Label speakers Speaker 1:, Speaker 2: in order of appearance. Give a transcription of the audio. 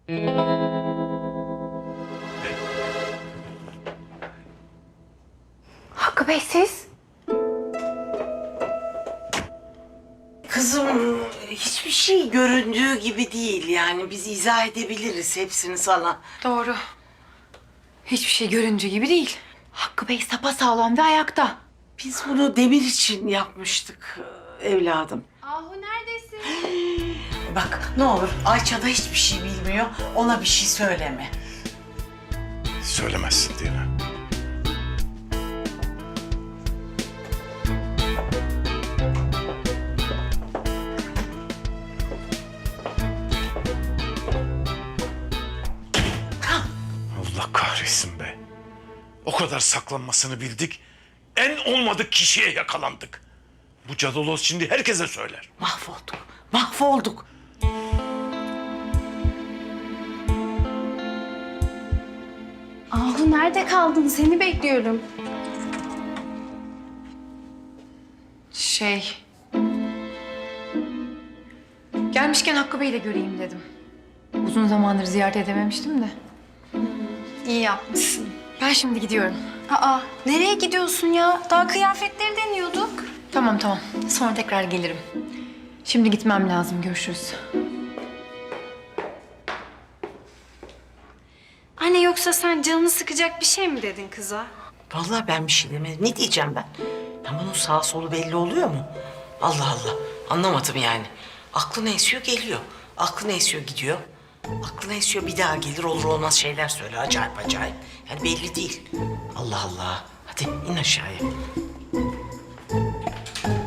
Speaker 1: Hakkı Bey siz?
Speaker 2: Kızım hiçbir şey göründüğü gibi değil yani biz izah edebiliriz hepsini sana.
Speaker 1: Doğru. Hiçbir şey göründüğü gibi değil. Hakkı Bey sapasağlam ve ayakta.
Speaker 2: Biz bunu Demir için yapmıştık evladım.
Speaker 1: Ahu neredesin?
Speaker 2: Bak ne olur Ayça da hiçbir şey bilmiyor ona bir şey söyleme.
Speaker 3: Söylemezsin değil mi? Allah kahretsin be. O kadar saklanmasını bildik. En olmadık kişiye yakalandık. Bu cadaloz şimdi herkese söyler.
Speaker 2: Mahvolduk.
Speaker 4: Ahu nerede kaldın? Seni bekliyorum.
Speaker 1: Gelmişken Hakkı Bey'i de göreyim dedim. Uzun zamandır ziyaret edememiştim de.
Speaker 4: İyi yapmışsın.
Speaker 1: Ben şimdi gidiyorum.
Speaker 4: Aa, nereye gidiyorsun ya? Daha kıyafetleri deniyorduk.
Speaker 1: Tamam. Sonra tekrar gelirim. Şimdi gitmem lazım. Görüşürüz.
Speaker 4: Anne yoksa sen canını sıkacak bir şey mi dedin kıza?
Speaker 2: Vallahi ben bir şey demedim. Ne diyeceğim ben? Ya bunun sağ solu belli oluyor mu? Allah Allah. Anlamadım yani. Aklına esiyor geliyor. Aklına esiyor gidiyor. Aklına esiyor bir daha gelir olur olmaz şeyler söyle. Acayip acayip. Yani belli değil. Allah Allah. Hadi in aşağıya.